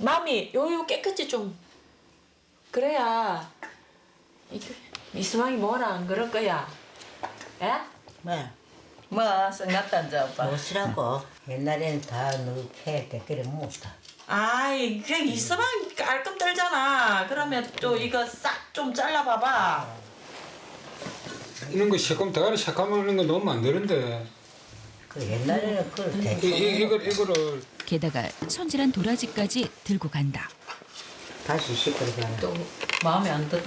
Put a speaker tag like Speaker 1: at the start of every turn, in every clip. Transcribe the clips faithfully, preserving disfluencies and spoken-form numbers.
Speaker 1: 마음이 요요 깨끗이 좀 그래야 이수망이 뭐라 안 그럴 거야. 예?
Speaker 2: 뭐?
Speaker 3: 뭐 생각단자 오빠.
Speaker 2: 못쓰라고 옛날에는 다 넣게 댓글을 못다.
Speaker 1: 아이 그 이수망이 깔끔 떨잖아. 그러면 또 이거 싹 좀 잘라봐봐.
Speaker 4: 이런 거 새콤 대가리 새까마는 거 넣으면 안 되는데.
Speaker 2: 그 옛날에는 그걸
Speaker 4: 이,
Speaker 2: 대충
Speaker 4: 이, 이걸 이거를
Speaker 5: 게다가 손질한 도라지까지 들고 간다.
Speaker 2: 다시 씻어가라.
Speaker 3: 또 마음에 안 드는.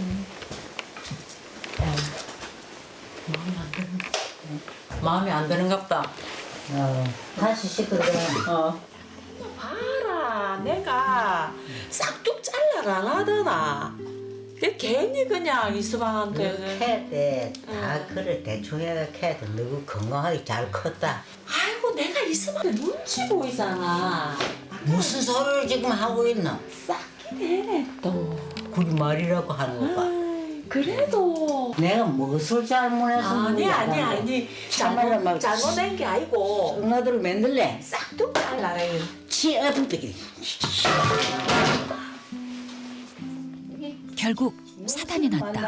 Speaker 1: 마음에 안 드는.
Speaker 3: 마음에 안 드는갑다.
Speaker 2: 어, 다시 씻어가라.
Speaker 3: 어.
Speaker 1: 봐라 내가 싹둑 잘라가 안 하더나. 걔 괜히 그냥 이수방한테.
Speaker 2: 캐 때 다 그래 대충 해가 캐도 너무 건강하게 잘 컸다.
Speaker 1: 아이고 내가 이수방한테 눈치 보이잖아.
Speaker 2: 무슨 소리를 지금 하고 있나?
Speaker 1: 싹긴 해 또.
Speaker 2: 그게 말이라고 하는 거 봐.
Speaker 1: 아이, 그래도.
Speaker 2: 내가 무엇을 잘못해서
Speaker 1: 아니 아니 아니
Speaker 2: 참말로 막
Speaker 1: 잘못 잘못된 게 아니고
Speaker 2: 응아들을 만들래?
Speaker 1: 싹둑 잘라라.
Speaker 2: 치 아프게.
Speaker 5: 결국 사단이 났다.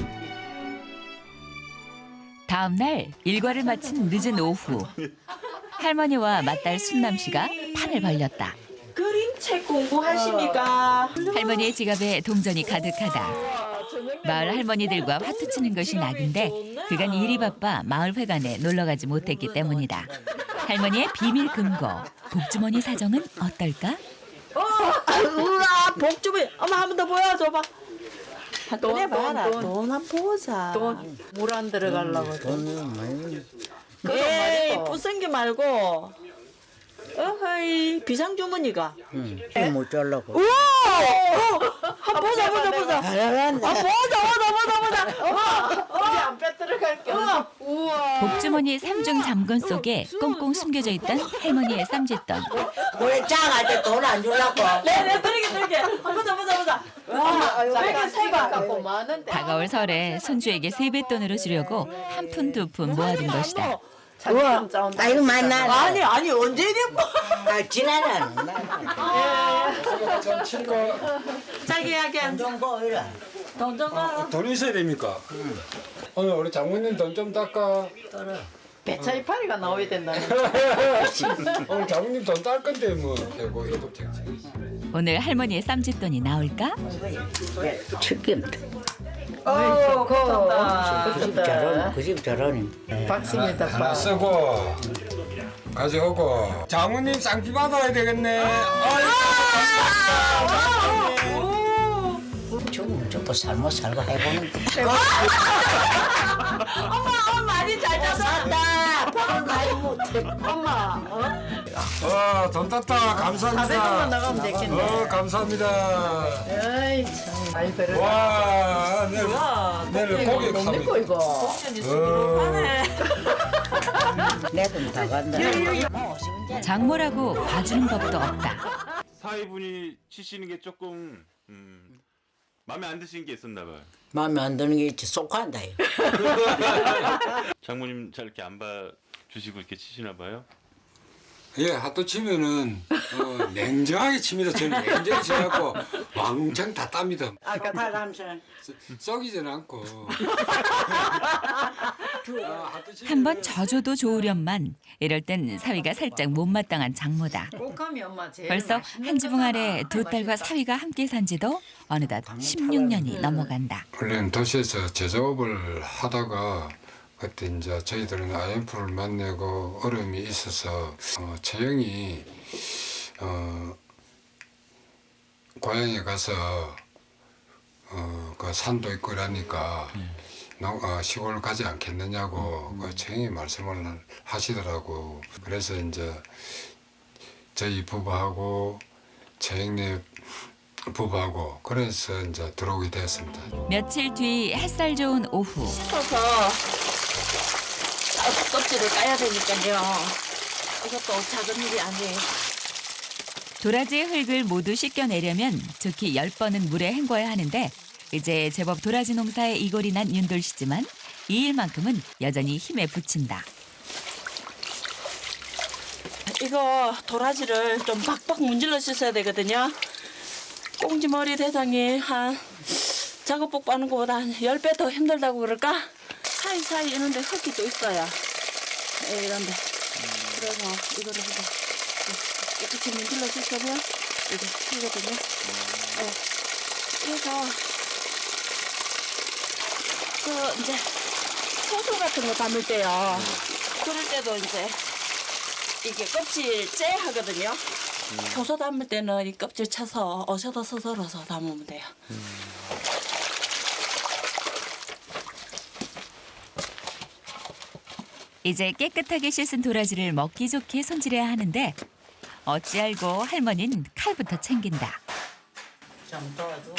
Speaker 5: 다음 날 일과를 마친 늦은 오후 할머니와 맏딸 순남 씨가 판을 벌렸다.
Speaker 1: 그림책 공부하십니까?
Speaker 5: 할머니의 지갑에 동전이 가득하다. 마을 할머니들과 화투 치는 것이 낙인데 그간 일이 바빠 마을 회관에 놀러가지 못했기 때문이다. 할머니의 비밀 금고 복주머니 사정은 어떨까?
Speaker 1: 어, 우와 복주머니. 엄마 한 번 더 보여줘봐. 꺼내 봐라. 돈 한 보자.
Speaker 3: 돈 물 안 들어가려고.
Speaker 2: 돈은 많이.
Speaker 1: 에이 부생기 말고. 어허이 비상주머니가.
Speaker 2: 응. 못 잘라고.
Speaker 1: 우와! 한 보자 보자 보자.
Speaker 2: 잘한다.
Speaker 1: 아 보자 보자 보자 보자.
Speaker 3: 어디 안 빼들어갈게. 우와.
Speaker 5: 복주머니 삼중 잠건 속에 꽁꽁 숨겨져 있던 할머니의 쌈짓돈.
Speaker 2: 원래 짱할 때 돈 안 주려고.
Speaker 1: 네네 들게 들게. 보자 보자 보자. 와 이렇게 세봐.
Speaker 3: 갖고 많은데.
Speaker 5: 다가올 설에 손주에게 세뱃돈으로 주려고 한 푼 두 푼 모아둔 것이다.
Speaker 2: 우와, 나 이거 만나.
Speaker 1: 아니 아니 언제 이랬고.
Speaker 2: 아, 지나라.
Speaker 4: 좀 치고
Speaker 1: 자기야기 안
Speaker 2: 좀 보이라.
Speaker 1: 돈 좀 가.
Speaker 4: 돈 있어야 됩니까? 오늘 우리 장모님 돈 좀 닦아.
Speaker 3: 배차 이파리가 나와야 된다는.
Speaker 4: 오늘 장모님 돈 딸 건데 뭐 되고 이거 택지.
Speaker 5: 오늘 할머니의 쌈짓돈이 나올까?
Speaker 2: 축김다.
Speaker 3: 어, 그렇다.
Speaker 2: 그 집 저런, 그 집 저런.
Speaker 3: 박습니다.
Speaker 4: 하나 쓰고 가져오고 장모님 쌍피 받아야 되겠네. 어이,
Speaker 2: 좀, 좀 살고 살고 해보는.
Speaker 1: 엄마 엄마 많이 잘 잤다.
Speaker 2: 돈 많이 못해.
Speaker 3: 엄마. 어?
Speaker 4: 어, 돈 땄다. 감사합니다.
Speaker 3: 사백원만 나가면 되겠네.
Speaker 4: 어, 감사합니다.
Speaker 3: 에이 참 많이 들어.
Speaker 4: 와, 내일,
Speaker 1: 뭐야?
Speaker 4: 내일 고기
Speaker 3: 못
Speaker 4: 삽니다.
Speaker 3: 믿고 이거.
Speaker 1: 복전이 수기로 하네.
Speaker 2: 내 돈 다 간다.
Speaker 5: 장모라고 봐주는 법도 없다.
Speaker 6: 사위분이 치시는 게 조금 음, 마음에 안 드시는 게 있었나 봐요.
Speaker 2: 마음에 안 드는 게 있지. 쏙한다.
Speaker 6: 장모님 잘 이렇게 안 봐주시고 이렇게 치시나 봐요.
Speaker 4: 예, 핫도 치면은 어, 냉정하게 칩니다. 저는 냉정히 치갖고 왕창 다 땁니다.
Speaker 2: 아까 사람처럼.
Speaker 4: 썩이지는 않고.
Speaker 5: 한 번 져줘도 좋으련만 이럴 땐 사위가 살짝 못마땅한 장모다.
Speaker 3: 꼭하면 엄마 제일
Speaker 5: 벌써
Speaker 3: 맛있는
Speaker 5: 한 지붕 아래
Speaker 3: 거다.
Speaker 5: 두 딸과 사위가 함께 산 지도 어느덧 십육 년이 넘어간다.
Speaker 4: 원래는 도시에서 제조업을 하다가 그때 이제 저희들은 아이엠에프를 만나고 어려움이 있어서 어, 채영이 어, 고향에 가서 어, 그 산도 있고 이러니까 농, 어, 시골 가지 않겠느냐고 음. 그 채영이 말씀을 하시더라고. 그래서 이제 저희 부부하고 채영네 부부하고 그래서 이제 들어오게 되었습니다.
Speaker 5: 며칠 뒤 햇살 좋은 오후
Speaker 1: 씻어서 껍질을 까야 되니까요. 이것도 작은 일이 아니에요.
Speaker 5: 도라지의 흙을 모두 씻겨내려면 좋게 열 번은 물에 헹궈야 하는데 이제 제법 도라지 농사에 이골이 난 윤돌 씨지만 이 일만큼은 여전히 힘에 부친다.
Speaker 1: 이거 도라지를 좀 박박 문질러 씻어야 되거든요. 꽁지머리 대장이 한 작업복 빠는 것보다 한 열 배 더 힘들다고 그럴까? 사이사이 이런데 흙이 또 있어요. 예, 이런데. 그래서 이거를 이제 깨끗이 문질러 주시면 이게 피거든요. 예. 그래서 그 이제 소주 같은 거 담을 때요. 그럴 때도 이제 이게 껍질 째 하거든요. 효소 담을 때는 이 껍질 쳐서 어셔도 서서러서 담으면 돼요.
Speaker 5: 이제 깨끗하게 씻은 도라지를 먹기 좋게 손질해야 하는데 어찌 알고 할머니는 칼부터 챙긴다.
Speaker 2: 좀 도와줘.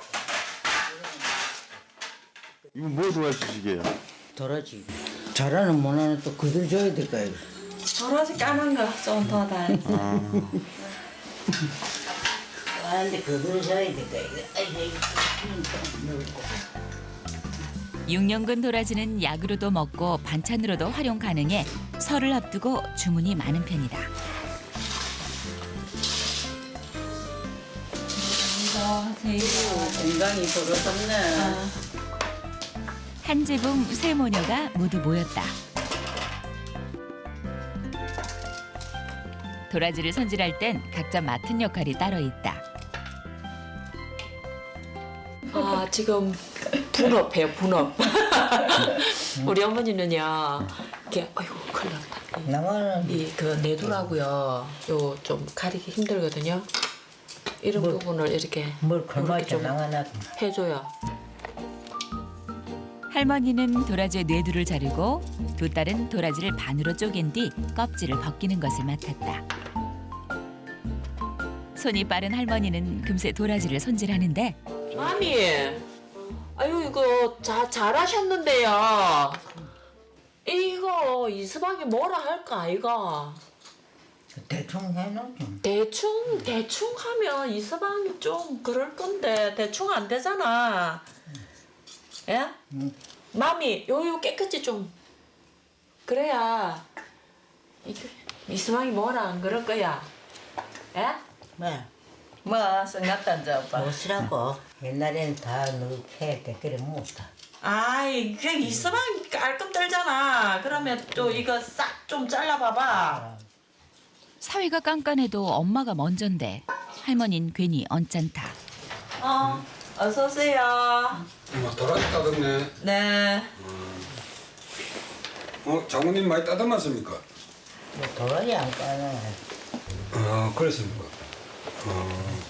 Speaker 6: 이거 뭐 도와주시게요?
Speaker 2: 도라지. 잘하는 못하는 또 그들 줘야 될까 이거.
Speaker 1: 도라지 까만 거 좀 더 달지.
Speaker 2: 아, 근데 그들 줘야 될까 이거. 아이고 이거 좀 넣고.
Speaker 5: 육 년근 도라지는 약으로도 먹고 반찬으로도 활용 가능해 설을 앞두고 주문이 많은 편이다.
Speaker 3: 건강이 돌아섰네.
Speaker 5: 한지붕 세 모녀가 모두 모였다. 도라지를 손질할 땐 각자 맡은 역할이 따로 있다.
Speaker 1: 아 지금 분업해요 분업. 우리 어머니는요 이렇게 아이고 큰일 났다.
Speaker 2: 나만은
Speaker 1: 이그 내두라고요. 요 좀 가리기 힘들거든요. 이런
Speaker 2: 뭘-
Speaker 1: 부분을 이렇게
Speaker 2: 뭘
Speaker 1: 이렇게
Speaker 2: 걸맞게
Speaker 1: 좀
Speaker 2: 나가나.
Speaker 1: 해줘요.
Speaker 5: 할머니는 도라지의 뇌두를 자르고 두 딸은 도라지를 반으로 쪼갠 뒤 껍질을 벗기는 것을 맡았다. 손이 빠른 할머니는 금세 도라지를 손질하는데
Speaker 1: 마미, 아유 이거 자 잘하셨는데요. 이거 이수방이 뭐라 할까 이거.
Speaker 2: 대충 해놓죠.
Speaker 1: 대충 대충 하면 이수방이 좀 그럴 건데 대충 안 되잖아. 예?
Speaker 2: 응.
Speaker 1: 마미 요요 깨끗이 좀 그래야 이게 이수방이 뭐라 안 그럴 거야. 예?
Speaker 2: 뭐?
Speaker 3: 뭐 생각도 안 자, 오빠.
Speaker 2: 못이라고. 옛날에는 다 넣게 했대. 그래 못다.
Speaker 1: 아이 그 이수방이 깔끔 떨잖아. 그러면 또 이거 싹 좀 잘라봐봐.
Speaker 5: 사위가 깐깐해도 엄마가 먼저인데 할머니는 괜히 언짢다.
Speaker 1: 어 어서 오세요.
Speaker 4: 뭐 도라지 따듬네.
Speaker 1: 네.
Speaker 4: 어, 장모님 많이 따듬었습니까?
Speaker 2: 뭐 도라지 안 까나.
Speaker 4: 어, 그렇습니까? 어.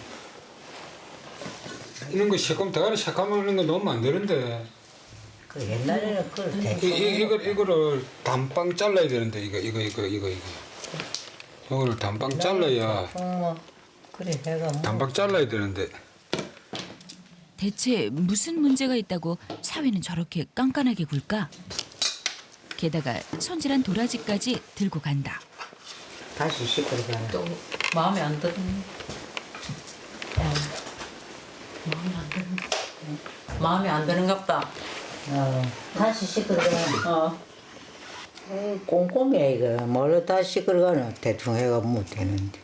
Speaker 4: 이런 거 새콤 대가리 새까마는 거 넣으면 안 되는데.
Speaker 2: 그 옛날에는 그걸
Speaker 4: 이,
Speaker 2: 대충.
Speaker 4: 이, 이걸, 이거를 단빵 잘라야 되는데, 이거, 이거, 이거, 이거, 이거. 이거를 단빵 잘라야,
Speaker 2: 대충 뭐 그래 해가 뭐.
Speaker 4: 단빵 잘라야 되는데.
Speaker 5: 대체 무슨 문제가 있다고 사위는 저렇게 깐깐하게 굴까? 게다가 손질한 도라지까지 들고 간다.
Speaker 2: 다시 시끄러워.
Speaker 3: 또 마음에 안 드는.
Speaker 1: 마음에 안 드는.
Speaker 3: 마음에 안 드는갑다.
Speaker 2: 어, 다시 시끄러워.
Speaker 3: 어.
Speaker 2: 에이, 꼼꼼이야 이거. 뭘로 다 시끄러워는 대충 해가 못 되는데.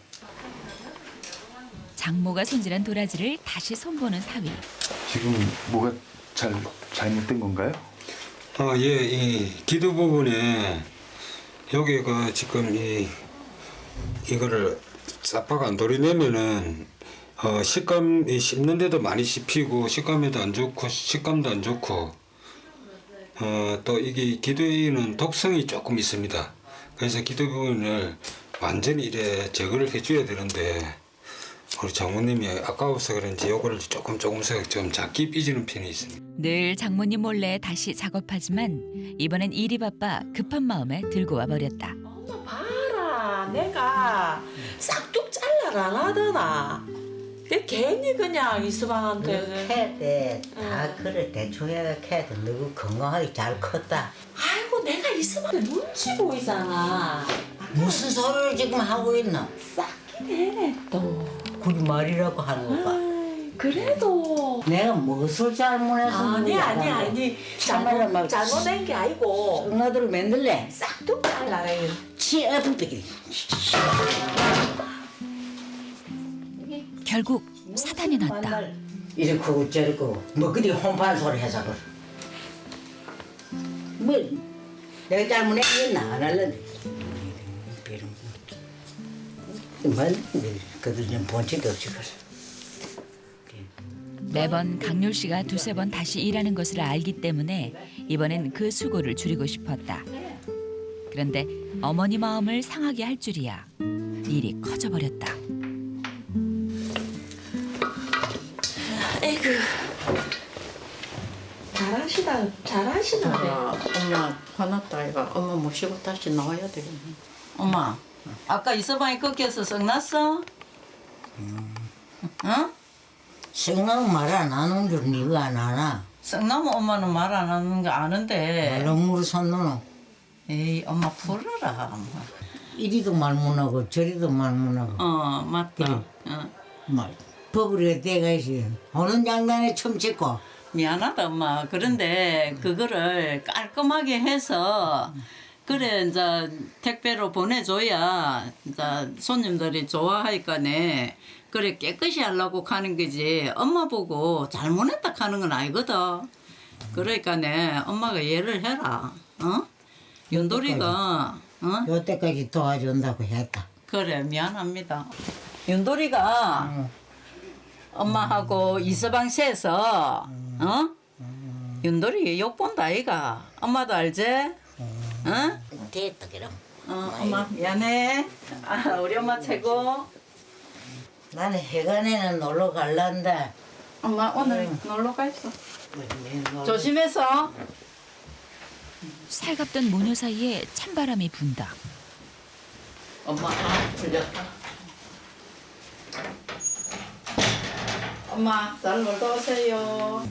Speaker 5: 장모가 손질한 도라지를 다시 손보는 사위.
Speaker 6: 지금 뭐가 잘 잘못된 건가요?
Speaker 4: 어, 예, 이 기도 부분에, 여기가 지금 이, 이거를 싹박 안 도려내면은, 어, 식감이 씹는데도 많이 씹히고, 식감에도 안 좋고, 식감도 안 좋고, 어, 또 이게 기도에는 독성이 조금 있습니다. 그래서 기도 부분을 완전히 이래 제거를 해줘야 되는데, 우리 장모님이 아까워서 그런지 요거를 조금 조금씩 좀 작게 삐지는 편이 있습니다.
Speaker 5: 늘 장모님 몰래 다시 작업하지만 이번엔 일이 바빠 급한 마음에 들고 와버렸다.
Speaker 1: 엄마 봐라 내가 싹둑 잘라를 안 하더나. 그 괜히 그냥 이수방한테.
Speaker 2: 캐 때 다 그래 대충 해가 캐도 너무 건강하게 잘 컸다.
Speaker 1: 아이고 내가 이수방을 눈치 보이잖아.
Speaker 2: 무슨 소리를 지금 하고 있나?
Speaker 1: 싹긴 해네 또.
Speaker 2: 우리 말이라고 하는 거봐.
Speaker 1: 아이, 그래도.
Speaker 2: 내가 무엇을 잘못해서
Speaker 1: 아니 아니 아니
Speaker 2: 참말로
Speaker 1: 잘못
Speaker 2: 막
Speaker 1: 잘못된 게 아니고
Speaker 2: 응아들을 만들래?
Speaker 1: 싹둑 잘라라.
Speaker 2: 치아프게
Speaker 5: 결국 사단이 났다.
Speaker 2: 이렇게 크고 저렇게 크고 뭐 그리 혼판 소리 해서 그래. 뭐 내가 잘못했겠나 안 할래. 뭐 그들 좀 본질도 없이 그래.
Speaker 5: 매번 강률 씨가 두세 번 다시 일하는 것을 알기 때문에 이번엔 그 수고를 줄이고 싶었다. 그런데 어머니 마음을 상하게 할 줄이야. 일이 커져버렸다.
Speaker 1: 에이구. 잘하시다, 잘하시다.
Speaker 3: 아, 엄마 화났다 이가. 엄마 모시고 다시 나와야 되겠네. 엄마, 아까 이서방이 꺾여서 썩났어? 응?
Speaker 2: 생각 말 안 하는 줄 니가 안 하나?
Speaker 3: 썩나면 엄마는 말 안 하는 거 아는데.
Speaker 2: 말로 산 노노.
Speaker 3: 에이, 엄마 풀어라. 엄마.
Speaker 2: 이리도 말 못하고 저리도 말 못하고.
Speaker 3: 어, 맞다.
Speaker 2: 그래.
Speaker 3: 어.
Speaker 2: 말 법으로 때가 있어. 어느 장단에 첨찍고.
Speaker 3: 미안하다 엄마. 그런데 그거를 깔끔하게 해서 그래 이제 택배로 보내줘야 이제 손님들이 좋아하니까네. 그래 깨끗이 하려고 가는 거지. 엄마 보고 잘못했다 하는 건 아니거든. 그러니까네 엄마가 이해를 해라. 어? 윤돌이가 어?
Speaker 2: 요때까지 도와준다고 했다.
Speaker 3: 그래 미안합니다. 윤돌이가
Speaker 2: 응.
Speaker 3: 엄마하고 이서방 세서 어? 윤돌이 욕 본다 아이가. 엄마도 알지? 어?
Speaker 2: 됐다 그럼.
Speaker 3: 어, 엄마 미안해. 아, 우리 엄마 최고.
Speaker 2: 나는 해관에는 놀러 갈란다.
Speaker 3: 엄마 오늘 놀러 가 있어.
Speaker 2: 조...
Speaker 3: 조심해서.
Speaker 5: 살갑던 모녀 사이에 찬바람이 분다.
Speaker 3: 엄마 아, 풀렸다. 엄마 잘 놀다 오세요.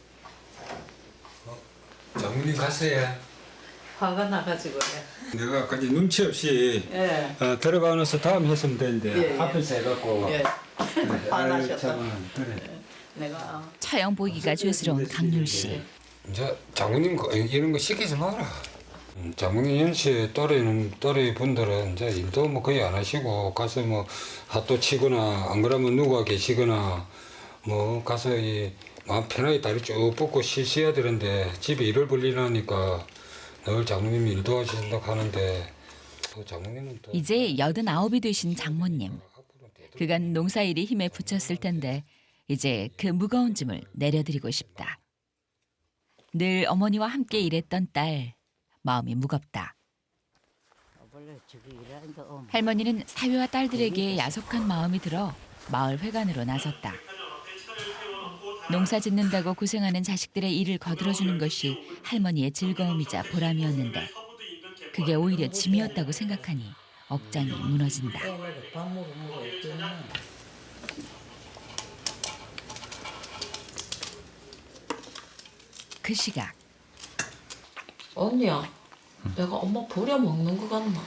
Speaker 4: 장모님 갔어요.
Speaker 3: 화가 나가지고.
Speaker 7: 내가 아까 이제 눈치 없이
Speaker 3: 예.
Speaker 7: 어, 들어가면서 다음 했으면 되는데
Speaker 3: 예, 예.
Speaker 7: 앞에서 해갖고
Speaker 3: 예. 화나셨다.
Speaker 7: 참, 그래.
Speaker 3: 내가
Speaker 5: 처형 보기가 죄스러운 강률 씨.
Speaker 4: 이제 장모님 거- 이런 거 시키지 마라. 음, 장모님 연씨 또래는 또래 분들은 이제 일도 뭐 거의 안 하시고 가서 뭐 핫도 치거나 안 그러면 누가 계시거나 뭐 가서 이 마음 편하게 다리 쭉 뻗고 쉬셔야 되는데 집에 일을 벌리라니까 늘 장모님이 일도 하신다고 하는데 또 장모님은 또
Speaker 5: 이제 여든아홉이 되신 장모님. 그간 농사일이 힘에 부쳤을 텐데 이제 그 무거운 짐을 내려드리고 싶다. 늘 어머니와 함께 일했던 딸. 마음이 무겁다. 할머니는 사위와 딸들에게 야속한 마음이 들어 마을 회관으로 나섰다. 농사 짓는다고 고생하는 자식들의 일을 거들어주는 것이 할머니의 즐거움이자 보람이었는데 그게 오히려 짐이었다고 생각하니 억장이 무너진다. 그 시각
Speaker 8: 언니야, 내가 엄마 부려먹는 거 같나?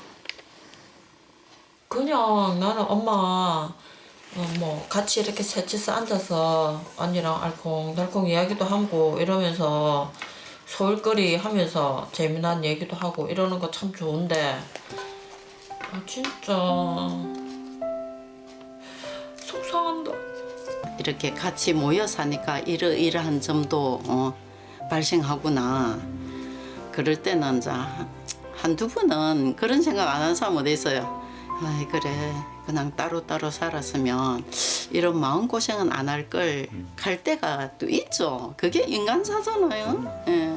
Speaker 8: 그냥 나는 엄마 어, 뭐 같이 이렇게 셋이서 앉아서 언니랑 알콩달콩 이야기도 하고 이러면서 소일거리 하면서 재미난 얘기도 하고 이러는 거 참 좋은데 아 진짜 속상한다.
Speaker 9: 이렇게 같이 모여 사니까 이러이러한 점도 어, 발생하구나. 그럴 때는 이제 한두 번은 그런 생각 안 하는 사람 어디 있어요. 아이 그래 그냥 따로따로 살았으면 이런 마음고생은 안 할 걸 갈 때가 또 있죠. 그게 인간사잖아요. 예.